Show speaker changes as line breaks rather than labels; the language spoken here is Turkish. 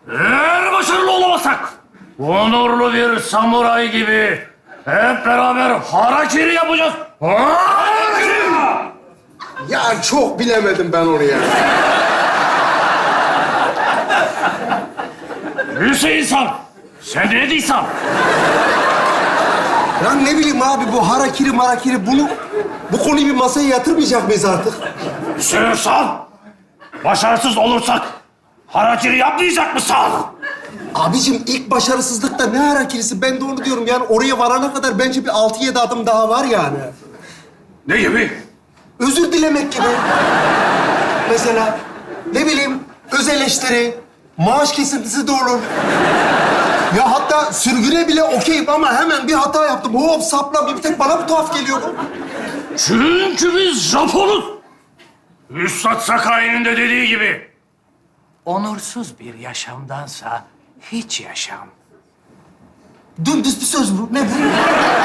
Eğer başarılı olamazsak, onurlu bir samuray gibi hep beraber harakiri yapacağız. Harakiri!
Ya çok bilemedim ben onu ya.
Hüseyin San, sen ne diyorsun?
Lan ne bileyim abi bu harakiri marakiri bu konuyu bir masaya yatırmayacak mıyız artık?
Hüseyin San, başarısız olursak harakiri yapmayacak mısın?
Abicim ilk başarısızlıkta ne harakirisi? Ben de onu diyorum yani oraya varana kadar bence bir 6-7 adım daha var yani.
Ne gibi?
Özür dilemek gibi. Mesela ne bileyim öz eleştiri, maaş kesintisi de olur. Ya hatta sürgüne bile okeyim ama hemen bir hata yaptım. Hop sapla bir tek bana mı tuhaf geliyor bu?
Çünkü biz Japonuz. Üstad Sakai'nin de dediği gibi.
Onursuz bir yaşamdansa hiç yaşam.
Dümdüz bir söz bu. Ne bu?